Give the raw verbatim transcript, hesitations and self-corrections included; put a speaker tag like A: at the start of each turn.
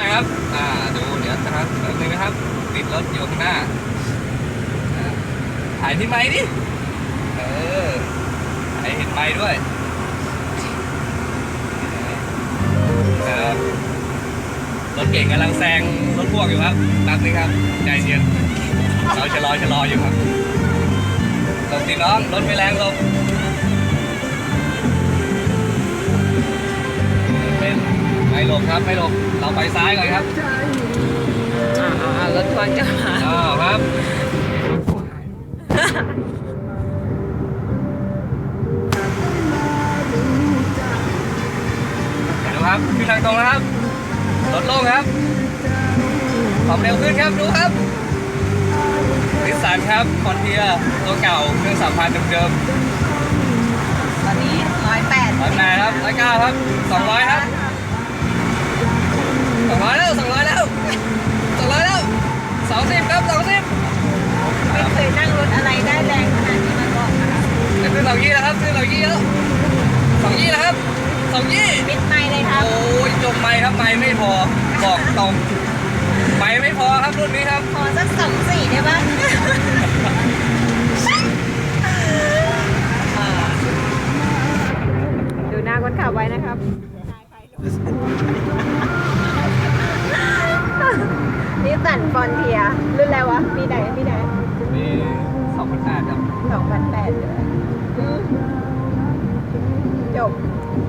A: น่อยครับอ่าดูเดี๋ยวนะครับแป๊บนึงนะครับติดรถอยู่ข้างหน้าอ่าถ่ายที่ไม้ดิเออถ่ายเห็นไม้ด้วยครับรถเก่งกำลังแซงรถพ่วงอยู่ครับแป๊บนึงครับใจเย็นเราชะลอชะลออยู่ครับหลบสิน้องรถไม่แรงหลบเป็นไม่หลบครับไม่หลบเราไปซ้ายก่อนครับ
B: อ่าอ่ารถทัวร์จะมา
A: อ้าวครับเดี๋ยวดูครับขึ้นทางตรงนะครับรถโล่งครับความเร็วขึ้นครับดูครับนิสสันครับคอนเทียตัวเก่าเครื่องสามพันเดิม
B: ตอนนี้ร้อยแปด
A: ๆร้อยแปดครับร้อยเก้าครับสองร้อยครับสองร้อยแล้วสองร้อยแล้วสองร้อยแล้วสองสิบครับสองสิบ
B: ไม่เคยนั่งรถอะไรได้แรงขนาดนี้มาก่อนนะคะ
A: จะขึ้นสองยี่แล้วครับขึ้นสองยี่แล้วสองยี่แล้วครับสองยี่
B: ปิดไมค์เลยครับ
A: โอ้ยจมไม่ครับไม่ไม่พอบอกตรงไม่ไม่พอครับรุ่นนี้ครับ
B: ขอสักสองสี่ได้ปะอ่าดูหน้าคนขับไว้นะครับนิสสันฟอนเทียรุ่นอะไรวะปีไหนปีไหน
A: มีสองพันแปดครับ
B: สองพันแปดเลยอืมจบ